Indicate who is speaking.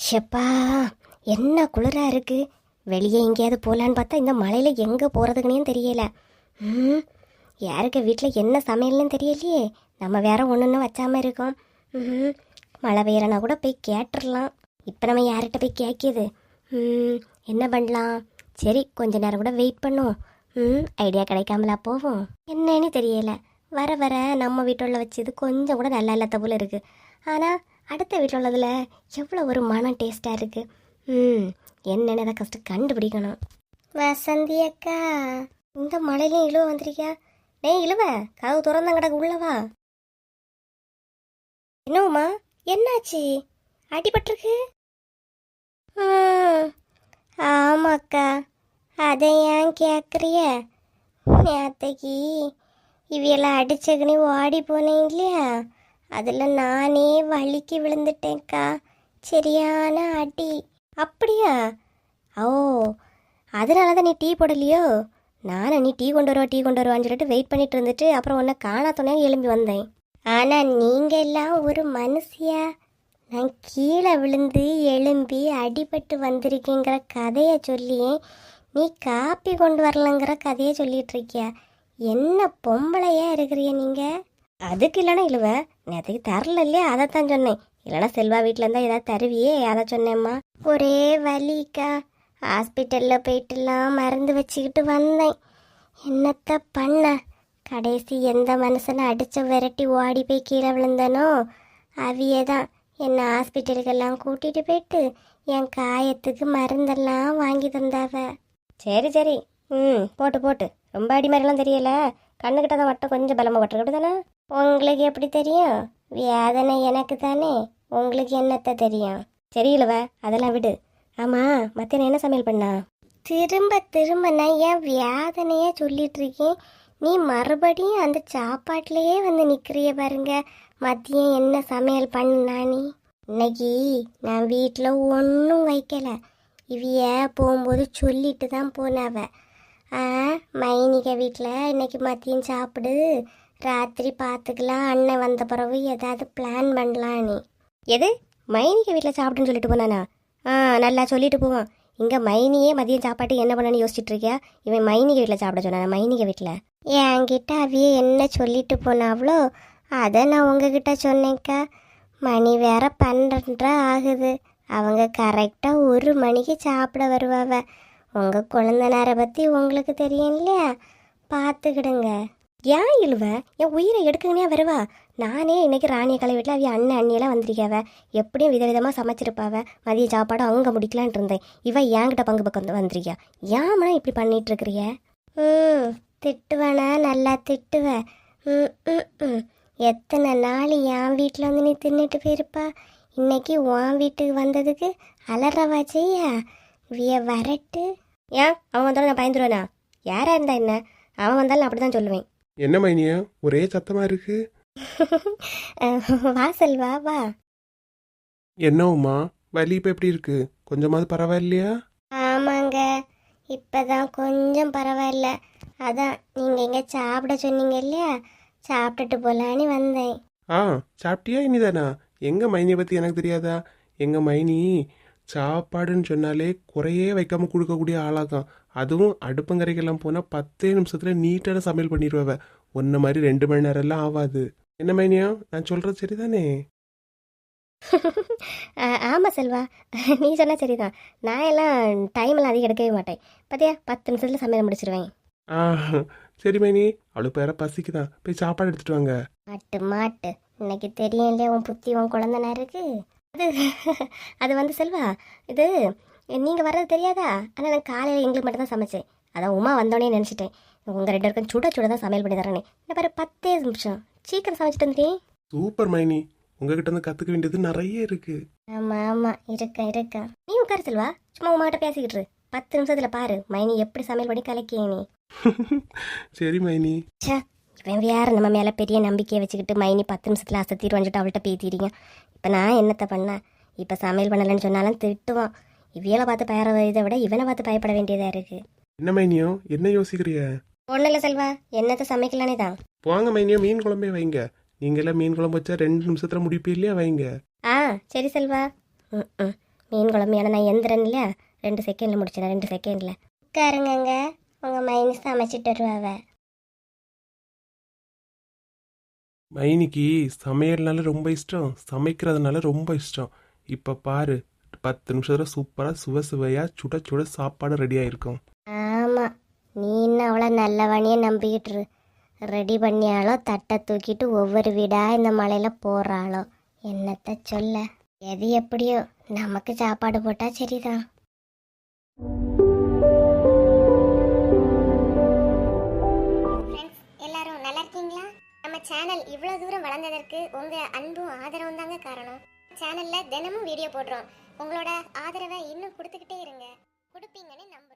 Speaker 1: ஷப்பா, என்ன குளிரா இருக்கு. வெளியே எங்கேயாவது போகலான்னு பார்த்தா இந்த மழையில எங்கே போகிறதுக்குனே தெரியல. ம் யாருக்கு வீட்டில் என்ன சமையல்னு தெரியலையே. நம்ம வேற ஒன்று வச்சாமல் இருக்கோம். ம் மழை பெய்யறனா கூட போய் கேட்டுடலாம். இப்போ நம்ம யார்கிட்ட போய் கேட்கிது? என்ன பண்ணலாம்? சரி, கொஞ்ச நேரம் கூட வெயிட் பண்ணுவோம். ஐடியா கிடைக்காமலா போவோம்? என்னன்னு தெரியல. வர வர நம்ம வீட்டில் வச்சது கொஞ்சம் கூட நல்லா இல்லாத போல இருக்குது. ஆனால் அடுத்த வீட்டில் உள்ளதில் எவ்வளோ ஒரு மனம் டேஸ்ட்டாக இருக்குது. என்னென்ன அதை கஷ்டம் கண்டுபிடிக்கணும். வசந்தி அக்கா, இந்த மழையிலையும் இழுவ வந்திருக்கியா? டேய் இழுவ, கதவு திறந்தான் கிடக்கு, உள்ளவா. என்னவுமா, என்னாச்சு? அடிபட்டிருக்கு? ஆமாக்கா. அதை ஏன் கேட்குறிய? நேத்தைக்கு இவையெல்லாம் அடிச்சக்குனே ஓடி போனேன் இல்லையா, அதில் நானே வலிக்கு விழுந்துட்டேன்க்கா. சரியான அடி. அப்படியா? ஓ, அதனால தான் நீ டீ போடலையோ? நானும் நீ டீ கொண்டு வருவான்னு சொல்லிட்டு வெயிட் பண்ணிட்டு இருந்துட்டு அப்புறம் உன்னை காணாத்தோன்னே எழும்பி வந்தேன். ஆனால் நீங்கள் எல்லாம் ஒரு மனுஷியா? நான் கீழே விழுந்து எழும்பி அடிபட்டு வந்திருக்கேங்கிற கதையை சொல்லியே நீ காப்பி கொண்டு வரலங்கிற கதையை சொல்லிட்டு இருக்கியா? என்ன பொம்பளையா இருக்கிறிய நீங்கள்? அதுக்கு இல்லைனா இழுவ, நேற்றுக்கு தரல இல்லையா, அதைத்தான் சொன்னேன். இல்லைனா செல்வா வீட்டில் இருந்தால் ஏதாவது தருவியே, அதை சொன்னேம்மா. ஒரே வலிக்கா. ஹாஸ்பிட்டலில் போயிட்டுலாம் மருந்து வச்சுக்கிட்டு வந்தேன். என்னத்த பண்ண, கடைசி எந்த மனுஷனை அடித்து விரட்டி ஓடி போய் கீழே விழுந்தனோ அவியே தான் என்னை ஹாஸ்பிட்டலுக்கெல்லாம் கூட்டிகிட்டு போயிட்டு என் காயத்துக்கு மருந்தெல்லாம் வாங்கி தந்தாவ. சரி சரி, போட்டு போட்டு. ரொம்ப அடி மாதிரிலாம் தெரியல, கண்ணுக்கிட்ட தான் மட்டும் கொஞ்சம் பலமாக பட்டுருக்கு தானே. உங்களுக்கு எப்படி தெரியும்? வேதனை எனக்கு தானே, உங்களுக்கு என்னத்த தெரியும்? சரியில்லவ, அதெல்லாம் விடு. ஆமாம், மத்தியானம் என்ன சமையல் பண்ணா? திரும்ப திரும்ப நான் ஏன் வேதனையாக சொல்லிட்டு இருக்கேன், நீ மறுபடியும் அந்த சாப்பாட்டிலேயே வந்து நிற்கிறிய பாருங்க. மதியம் என்ன சமையல் பண்ணா நீ? இன்னைக்கு நான் வீட்டில் ஒன்றும் வைக்கல. இவைய போகும்போது சொல்லிட்டு தான் போனாவ. மைனிக வீட்டில் இன்னைக்கு மதியம் சாப்பிடு, ராத்திரி பார்த்துக்கலாம், அண்ணன் வந்த பிறகு ஏதாவது பிளான் பண்ணலாம். நீ எது மைனிக வீட்டில் சாப்பிடுன்னு சொல்லிட்டு போனானா? நல்லா சொல்லிட்டு போவான். இங்கே மைனியே மதியம் சாப்பாட்டு என்ன பண்ணனு யோசிச்சுட்டு இருக்கியா? இவன் மைனிக வீட்டில் சாப்பிட சொன்னானா? மைனிக வீட்டில் என்கிட்ட அவையே என்ன சொல்லிட்டு போனாவளோ அதை நான் உங்ககிட்ட சொன்னேங்க்கா. மணி வேற 12:30 ஆகுது. அவங்க கரெக்டாக 1 மணிக்கு சாப்பிட வருவாவ. உங்கள் குழந்தனாரை பற்றி உங்களுக்கு தெரியும் இல்லையா, பார்த்துக்கிடுங்க. ஏன் இழுவ, என் உயிரை எடுக்குங்கன்னே வருவா. நானே இன்னைக்கு ராணிய கலை வீட்டில் அவைய அண்ணன் அண்ணியெல்லாம் வந்திருக்காவ. எப்படியும் விதவிதமாக சமைச்சிருப்பாவ. மதிய சாப்பாடு அங்கே முடிக்கலான் இருந்தேன். இவ என்கிட்ட பங்கு பக்கம் வந்திருக்கியா? ஏமா இப்படி பண்ணிட்டு இருக்கிறிய? திட்டுவேனா? நல்லா திட்டுவ. எத்தனை நாள் என் வீட்டில் வந்து நீ தின்னுட்டு போயிருப்பா. இன்னைக்கு உன் வீட்டுக்கு வந்ததுக்கு அலறவா செய்யா? வரட்டு. ஏன் அவன் வந்தாலும் நான் பயந்துருவேனா? யாரா இருந்தா என்ன, அவன் வந்தாலும் நான் அப்படிதான் சொல்லுவேன்.
Speaker 2: என்ன மைனியா ஒரே சத்தமா இருக்கு?
Speaker 1: வா செல்வா வா.
Speaker 2: என்னவுமா, வலி இப்போ எப்படி இருக்கு? கொஞ்சமாவது பரவாயில்லையா?
Speaker 1: ஆமாங்க, இப்பதான் கொஞ்சம் பரவாயில்ல. அதான் நீங்க எங்க சாப்பிட சொன்னீங்க இல்லையா, சாப்பிட்டுட்டு போலான்னு வந்தேன்.
Speaker 2: சாப்பிட்டியா இனிதானா? எங்க மைனியை பத்தி எனக்கு தெரியாதா? எங்க மைனி சாப்பாடுன்னு சொன்னாலே குறையே வைக்காம கொடுக்கக்கூடிய ஆளாதான். அதுவும் அடுப்பங்கரைக்கெல்லாம் போனால் 10 நிமிஷத்துல நீட்டான சமையல் பண்ணிடுவ. ஒன்ன மாதிரி 2 மணி நேரம் எல்லாம் ஆகாது. என்ன மைனியா, நான் சொல்றது சரிதானே?
Speaker 1: ஆமாம் செல்வா, நீ சொன்ன சரிதான். நான் எல்லாம் டைம் எல்லாம் அதிகம் எடுக்கவே மாட்டேன். பார்த்தியா, 10 நிமிஷத்துல சமையல் முடிச்சிருவேன்.
Speaker 2: சரி மைனி, அவளுக்கு வேற பசிக்குதான், போய் சாப்பாடு எடுத்துட்டு வாங்க.
Speaker 1: மாட்டு மாட்டு, இன்னைக்கு தெரியும் இல்லையா உன் புத்தி உன் குழந்தைனா இருக்கு. அது வந்து செல்வா, இது நீங்கள் வர்றது தெரியாதா? ஆனால் நான் காலையில் எங்களுக்கு மட்டும் தான் சமைச்சேன். அதான் உமா வந்தோடனே நினச்சிட்டேன் உங்கள் 2 பேருக்கும் சுட சுட தான் சமையல் பண்ணி தரேனே. இந்த பாரு 10 நிமிஷம் சீக்கிரம் சமைச்சிட்டு வந்துட்டேன்.
Speaker 2: சூப்பர் மைனி, உங்ககிட்ட இருந்து கற்றுக்க வேண்டியது நிறைய இருக்கு.
Speaker 1: ஆமாம் ஆமாம், இருக்கா. நீ உட்காரு செல்வா, சும்மா உமாட்ட பேசிக்கிட்டு 10 நிமிஷத்துல பாரு மைனி எப்படி சமையல் பண்ணி கலக்கிய நீ.
Speaker 2: சரி மைனி.
Speaker 1: இவன் வேற நம்ம மேலே பெரிய நம்பிக்கையை வச்சுக்கிட்டு மைனி 10 நிமிஷத்துல அசத்திட்டு வந்துட்டு அவள்கிட்ட பேத்திடுங்க. இப்போ நான் என்னத்தை பண்ணேன்? இப்போ சமையல் பண்ணலன்னு சொன்னாலும் திட்டுவான். இவையில பார்த்து பயற இதை விட இவனை பார்த்து பயப்பட வேண்டியதாக இருக்கு.
Speaker 2: என்ன மைனியோ, என்ன யோசிக்கிறிய?
Speaker 1: ஒன்றும் இல்லை செல்வா, என்னத்தை சமைக்கலானே தான்.
Speaker 2: போங்க மைனியோ, மீன் குழம்பே வைங்க. நீங்களாம் மீன் குழம்பு வச்சா 2 நிமிஷத்துல முடிப்பே இல்லையா, வைங்க.
Speaker 1: சரி செல்வா. மீன் குழம்பு நான் எந்திரன் இல்லையா 2 செகண்டில் முடிச்சேன் 2 செகண்டில். உட்காருங்கங்க, உங்கள் மைனி சமைச்சிட்டு வருவாவ.
Speaker 2: மைனிக்கு சமையல்னால ரொம்ப இஷ்டம், சமைக்கிறதுனால ரொம்ப இஷ்டம். இப்போ பாரு, 10 நிமிஷத்துல சூப்பராக சுவையாக சுட சுட சாப்பாடு ரெடி ஆயிருக்கும்.
Speaker 1: ஆமாம், நீ இன்னும் அவ்வளோ நல்லவனையே நம்பிக்கிட்டு ரெடி பண்ணியாலோ தட்டை தூக்கிட்டு ஒவ்வொரு வீடாக இந்த மலையில் போகிறாளோ. என்னத்த சொல்ல, எது எப்படியோ நமக்கு சாப்பாடு போட்டால் சரிதான். எல்லாரும் நல்லா இருக்கீங்களா? நம்ம சேனல் இவ்வளோ தூரம் வளர்ந்ததற்கு உங்கள் அன்பும் ஆதரவும் தாங்க காரணம். சேனலில் தினமும் வீடியோ போடுறோம். உங்களோட ஆதரவை இன்னும் கொடுத்துக்கிட்டே இருங்க, கொடுப்பீங்கன்னு நம்ப